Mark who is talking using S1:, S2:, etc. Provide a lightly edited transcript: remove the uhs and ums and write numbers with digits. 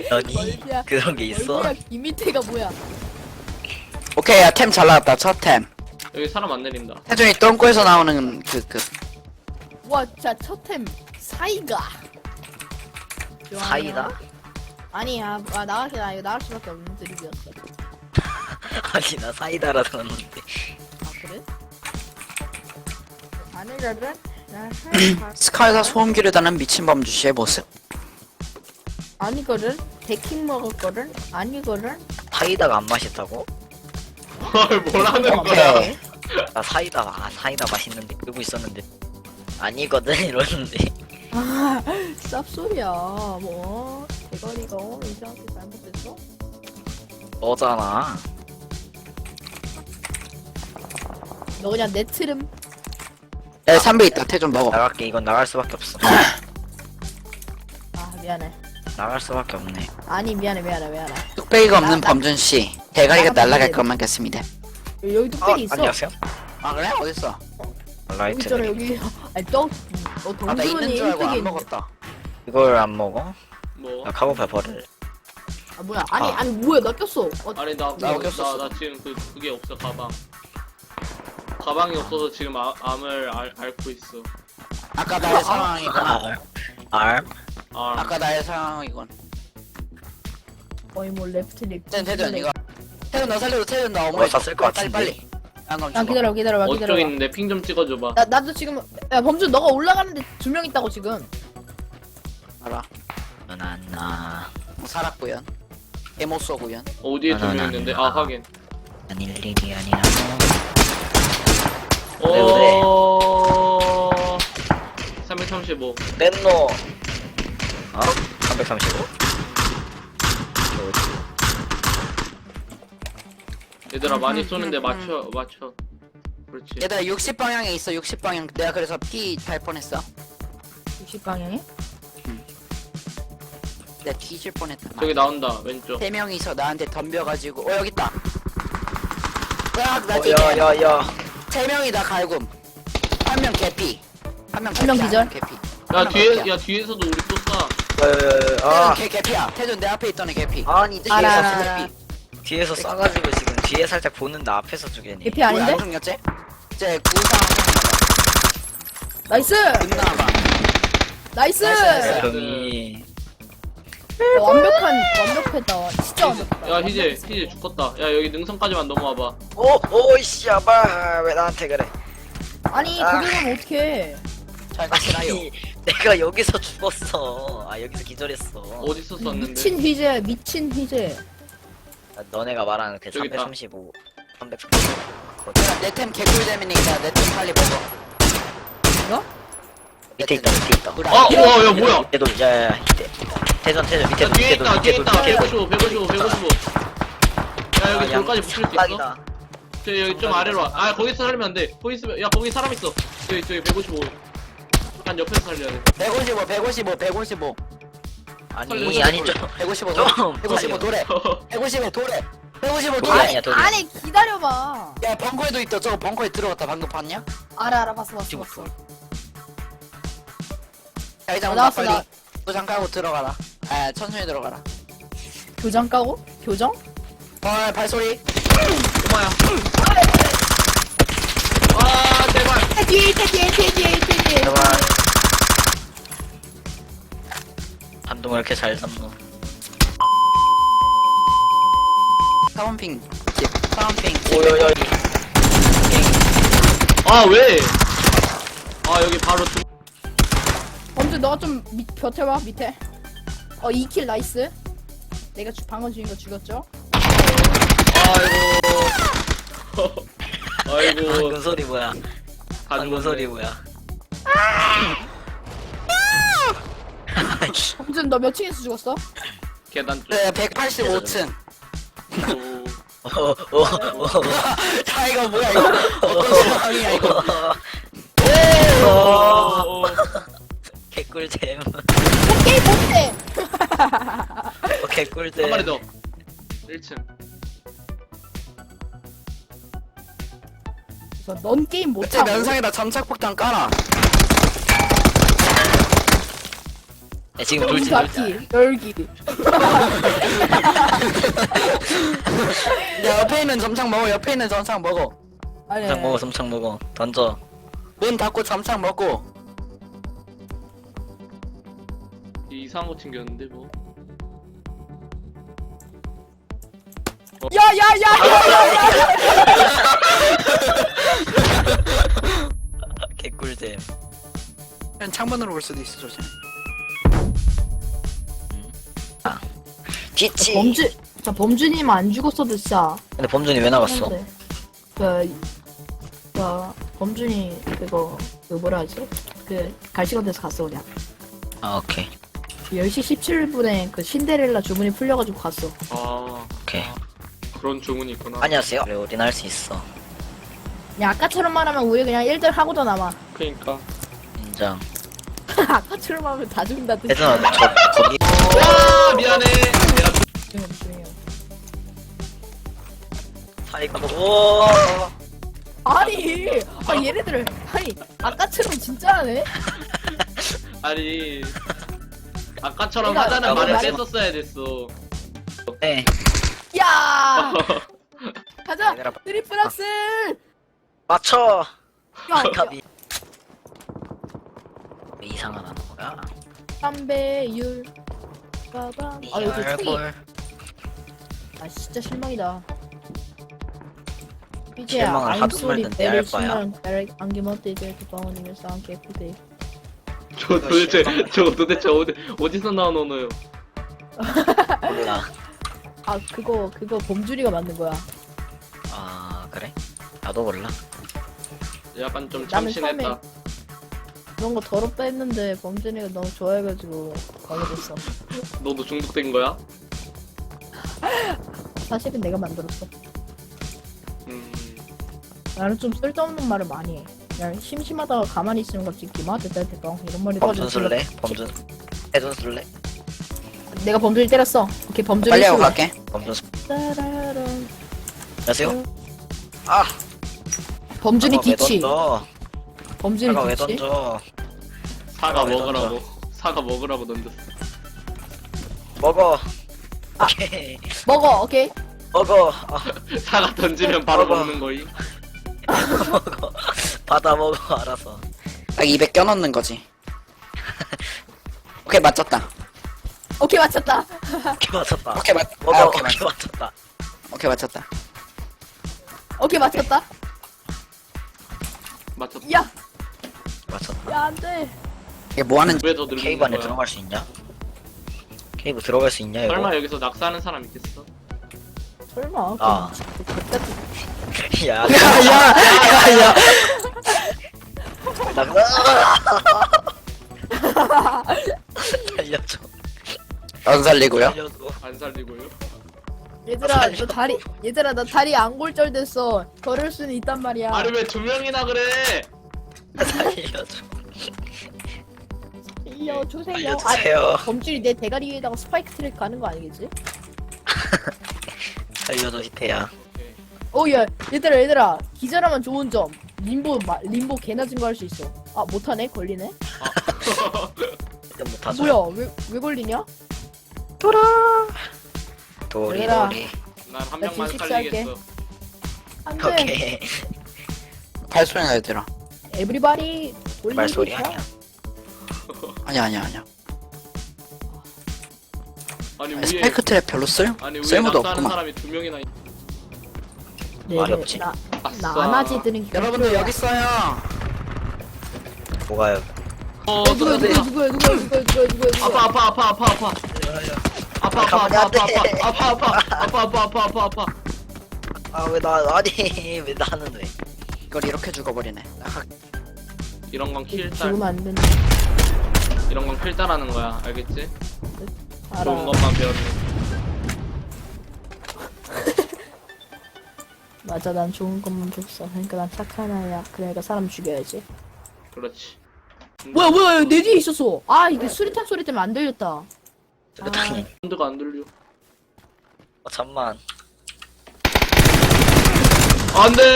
S1: 아니
S2: 멀미야.
S1: 그런 게 있어?
S2: 멀미야, 이 밑에가 뭐야?
S3: 오케이, 야, 템 잘 나왔다, 첫 템.
S4: 여기 사람 안 내린다.
S3: 태준이 똥꼬에서 나오는
S2: 와, 자, 첫템 사이가.
S1: 사이다?
S2: 아니야, 이거 나갈 수밖에 없는 드립이었어.
S1: 아니 나 사이다라 들었는데.
S2: 아, 그래? 아니라면 나
S3: 스카이가 소음기를 다는 미친 범주씨의 모습.
S2: 아니거든. 데킹 먹었거든. 아니거든.
S1: 사이다가 안 맛있다고?
S4: 헐, 뭐라는 거야?
S3: 오케이.
S1: 나 사이다 맛있는데 그러고 있었는데 아니거든 이러는데.
S2: 아, 쌉소리야. 뭐 대가리가 이상하게 잘못됐어?
S1: 너잖아.
S2: 너 그냥 내 트름.
S3: 야, 3배 있다, 태준 먹어.
S1: 나갈게. 이건 나갈 수밖에 없어.
S2: 아, 미안해.
S1: 나갈 수밖에 없네.
S2: 아니, 미안해.
S3: 뚝배기가 없는
S2: 나-
S3: 범준씨. 대가리가
S2: 나가면
S3: 날아갈
S2: 돼.
S3: 것만 같습니다.
S2: 여기 뚝배기 있어.
S1: 안녕하세요.
S3: 아, 그래? 어딨어?
S2: 여기
S1: 라이트.
S2: 있잖아, 여기. 아니,
S3: 아, 나 있는
S2: 동전이
S3: 줄 알고
S2: 뚝배기
S3: 안
S2: 있는데.
S3: 먹었다.
S1: 이걸 안 먹어?
S4: 뭐?
S1: 나 카고 페퍼를.
S2: 아, 뭐야? 아니,
S1: 아.
S2: 아니, 뭐야? 나 꼈어.
S4: 아니
S3: 나 어겼었어.
S4: 나 지금 그게 없어. 가방이 없어서 지금 암을 앓고 있어.
S3: 아까 나의 상황이건.
S1: 알?
S3: 아까 나의 상황이건.
S2: 거의 뭐 레프트릭.
S3: 태준 이거. 태준 너 살려줘, 태준 나 어머니.
S1: 뭐 샀을 것
S3: 빨리,
S1: 같은데.
S3: 빨리. 안 그럼
S2: 아,
S3: 죽어.
S2: 기다려봐.
S4: 어쩌고 있는데 핑 좀 찍어줘봐.
S2: 나도 지금 야 범준 너가 올라가는데 2명 있다고 지금.
S3: 알아.
S1: 나
S3: 살았구연. 개못쏘구연.
S4: 어디에 2명 있는데? 아, 확인.
S1: 아닐 일이 아니라. 그래.
S4: 어... 335.
S1: 넷노. 어? 335?
S4: 얘들아 많이 쏘는데 맞춰. 그렇지.
S3: 얘들아 60방향에 있어, 60방향. 내가 그래서 피 달 뻔했어.
S2: 60방향이?
S3: 내가 뒤질 뻔했다.
S4: 저기 나온다 왼쪽.
S3: 3명이서 나한테 덤벼가지고 여기 있다. 나 뒤에
S1: 야야야.
S3: 3명이다 갈굼. 한 명 개피. 한명
S2: 한명 기절?
S3: 개피.
S4: 야 뒤에
S3: 개피야.
S4: 야 뒤에서도 우리 또 쏴.
S1: 아.
S3: 태준 개피야. 태준 내 앞에 있던 애 개피.
S1: 아니
S2: 알아.
S3: 개피.
S1: 뒤에서 쏴가지고 지금 뒤에 살짝 보는데 앞에서 죽이네.
S2: 개피 아닌데?
S3: 안 죽였지? 이제 구상
S2: 나이스!
S3: 끝나봐.
S2: 나이스!
S3: 나이스.
S1: 형이
S2: 완벽했다. 진짜 완벽했다.
S4: 야 희재 죽었다. 야 여기 능선까지만 넘어와봐.
S1: 오이씨 아바 왜 나한테 그래?
S2: 아니
S1: 아.
S2: 그게 가면 어떡해.
S3: 잘 가시나요?
S1: 아니 내가 여기서 죽었어. 아 여기서 기절했어.
S4: 어디서 쐈는데?
S2: 미친 희재.
S1: 아, 너네가 말하는 그
S4: 저기 있다.
S1: 335, 335.
S3: 내템 개꿀잼이니까 내 템 빨리 먹어.
S2: 이거?
S1: 밑에 있다 밑에 있다.
S4: 아, 우와, 야, 뭐야?
S1: 밑에도 야야야 대전 밑에
S4: 야 뒤에 있다 뒤에 있다.
S1: 밑에도
S4: 155. 야 여기 돌까지 붙일 수 있어?
S1: 샷각이다.
S4: 저 여기 좀 아래로 와. 아 거기서 살면 안 돼. 거기 있으면 야 거기 사람 있어. 저기 155. 한 옆에서 살려야 돼.
S3: 155.
S1: 아니 아니죠.
S3: 155
S1: 좀.
S3: 155 도래. 155 도래. 155
S1: 돌이
S3: 도래.
S1: 아니야 돌이.
S2: 아니 기다려봐.
S3: 야 벙커에도 있다. 저거 벙커에 들어갔다. 방금 봤냐?
S2: 알아 봤어.
S1: 지금
S3: 자기장 온다
S2: 나왔어,
S3: 빨리.
S2: 나.
S3: 도장 까고 들어가라. 아 천천히 들어가라.
S2: 교정 까고? 교정?
S3: 발소리.
S4: 엄마야. 아 제발.
S2: 뒤에.
S1: 제발. 반동을 이렇게 잘 잡노.
S3: 사원핑 집. 사원핑.
S1: 오요요.
S4: 아 왜? 아 여기 바로
S2: 범준 너가 좀 곁에와 밑에. 2킬 나이스. 내가 방금 죽인 거 죽였죠?
S4: 아이고. 아이고.
S1: 방금 소리 뭐야?
S4: 다
S1: 방금
S4: 죽었네.
S1: 소리 뭐야?
S2: 범준 너 몇 층에서 죽었어?
S4: 계단 쪽.
S3: 네 185층.
S4: 오.
S3: 자 이거 뭐야 이거. 어떤 상황이야 이거.
S4: 오.
S1: 개꿀잼.
S2: 게임 못해!
S1: 개꿀잼.
S4: 한 마리 더. 1층.
S2: 그래서 넌 게임
S3: 그때
S2: 못하고
S3: 면상에다 점착폭탄 깔아.
S1: 야, 지금 돌진
S2: 닫기 열기.
S3: 야, 옆에 있는 점창 먹어. 옆에 있는 점창 먹어.
S2: 아니.
S1: 섬창 먹어 섬창 먹어 던져.
S3: 문 닫고 점창 먹고.
S4: 이상한 거 챙겼는데 뭐.
S2: 야야야야야.
S1: 개꿀잼.
S3: 그냥 창문으로 올 수도 있어, 조심.
S1: 뒤치.
S2: 범준님 안 죽었어도 진짜.
S1: 근데 범준이 왜 나갔어?
S2: 했는데. 범준이 그거 뭐라 하지? 그 갈시간 데서 갔어 그냥.
S1: 아 오케이
S2: 10시 17분에 그 신데렐라 주문이 풀려가지고 갔어.
S4: 아
S1: 오케이.
S4: 그런 주문이 있구나.
S1: 안녕하세요. 그래 우린 할 수 있어.
S2: 그냥 아까처럼 말하면 우리 그냥 1등 하고도 남아.
S4: 그니까.
S1: 인정.
S2: 아까처럼 하면 다 죽는다 뜻.
S1: 혜준아 저 거기
S4: 와 미안해. 내가
S2: 조용히.
S1: 사이가 오.
S2: 아니, 얘네들 아니 아까처럼 진짜 하네.
S4: 아니 아까처럼
S2: 내가
S4: 하자는 말을
S1: 말했어.
S4: 뺐었어야 됐어.
S1: 네.
S2: 야, 가자.
S1: 얘들아,
S2: 트리플 악셀.
S1: 맞춰.
S2: 야,
S1: 갑이. 왜 이상한 하는 거야?
S2: 담배율. 빠밤. 아 여기 총이.
S1: 헐.
S2: 아 진짜 실망이다. 이제야
S1: 실망을
S2: I'm
S1: 하도
S2: sorry,
S1: 말던데 할
S2: very
S1: 거야.
S2: 실망. Very 안개멋대 이제 그 방언이면 싸움 개쁘대.
S4: 저 도대체 어디서 나온 언어요?
S1: 몰라.
S2: 아 그거 범준이가 만든 거야.
S1: 아 그래? 나도 몰라.
S4: 약간 좀
S2: 나는
S4: 참신했다.
S2: 그런 거 더럽다 했는데 범준이가 너무 좋아해가지고 가게 됐어.
S4: 너도 중독된 거야?
S2: 사실은 내가 만들었어.
S4: 음.
S2: 나는 좀 쓸데없는 말을 많이 해. 그냥 심심하다가 가만히 있으면 갑자기 기마한테 대빵 이런 말이
S1: 범준
S2: 떠가지고
S1: 술래? 범준. 혜준 술래?
S2: 내가 범준이 때렸어. 오케이 범준이
S3: 빨리 하고
S2: 술래.
S3: 갈게.
S1: 범준 술.
S2: 따라란.
S1: 안녕하세요. 아.
S2: 범준이
S1: 사과 왜
S2: 뒤치.
S1: 던져?
S2: 범준이
S1: 사과 왜
S2: 뒤치.
S1: 던져?
S4: 사과
S1: 왜
S4: 먹으라고. 사과 먹으라고 던졌어.
S1: 먹어.
S2: 아.
S1: 오케이.
S2: 먹어. 오케이.
S1: 먹어. 아,
S4: 사과 던지면 바로
S1: 먹어.
S4: 먹는 거임.
S1: 먹어. 받아 먹어. 알아서.
S3: 딱 입에 껴넣는 거지. 오케이, 맞췄다.
S2: 오케이 맞췄다.
S1: 오케이 맞췄다.
S3: 오케이,
S1: 먹어.
S3: 아,
S1: 오케이
S3: 오케이,
S1: 맞췄다.
S3: 오케이, 맞췄다.
S2: 오케이 맞췄다.
S4: 맞췄다.
S2: 야,
S1: 맞췄다.
S2: 야 안돼.
S3: 이게 뭐 하는,
S4: 왜 더 늙는
S1: 케이브 안에
S4: 거야?
S1: 들어갈 수 있냐? 케이브 들어갈 수 있냐 이거?
S4: 설마 여기서 낙사하는 사람 있겠어?
S2: 설마.
S1: 아. 야.
S3: 야,
S1: 살려줘.
S3: 안 살리고요.
S1: 살려줘.
S4: 안 살리고요?
S2: 얘들아 나 다리 앙골절 됐어. 걸을 수는 있단 말이야.
S4: 아니 왜 두 명이나 그래?
S1: 살려줘.
S2: 살려주세요.
S1: 살려주세요.
S2: 범준이 내 대가리 위에다가 스파이크 트랙 가는 거 아니겠지?
S1: 살려줘 히태야.
S2: 야 얘들아 기절하면 좋은 점 림보 개나 증거 할 수 있어. 아 못하네 걸리네.
S1: 일단 못하죠.
S2: 뭐야 왜 걸리냐?
S1: 도리
S2: 얘들아.
S1: 도리.
S4: 난 한
S2: 나
S4: 명만
S2: 뒤식
S4: 살리겠어.
S2: 안돼.
S1: 오케이.
S3: 발소리나 얘들아.
S2: 에브리바디
S1: 말소리 아니야.
S3: 아니야.
S4: 아니
S3: 아니,
S4: 위에
S3: 스파이크 트랩 별로
S4: 아니 위에
S3: 쓸모도
S4: 낙사하는
S3: 없구만.
S4: 사람이 두 명이나 있...
S1: 말이 없지.
S2: 나
S4: 아싸.
S2: 안하지 드는
S3: 여러분들 여기 있어요.
S1: 뭐가요?
S2: 누구야
S4: 아파.
S1: 아 왜 나 아니 왜 나는 왜?
S3: 이걸 이렇게 죽어버리네.
S4: 이런 건 킬딸.
S2: 죽으면 안 된다.
S4: 이런 건 킬딸하는 거야. 알겠지?
S2: 알아.
S4: 좋은 것만 배웠네.
S2: 맞아 난 좋은 것만 줬어. 그러니까 난 착한 아이야. 그러니까 사람 죽여야지.
S4: 그렇지.
S2: 뭐야 내 뒤에 있었어. 아 이게 수리탄 소리 때문에 안 들렸다.
S1: 세상에.
S4: 사운드가 안 들려.
S1: 잠만.
S4: 안 돼!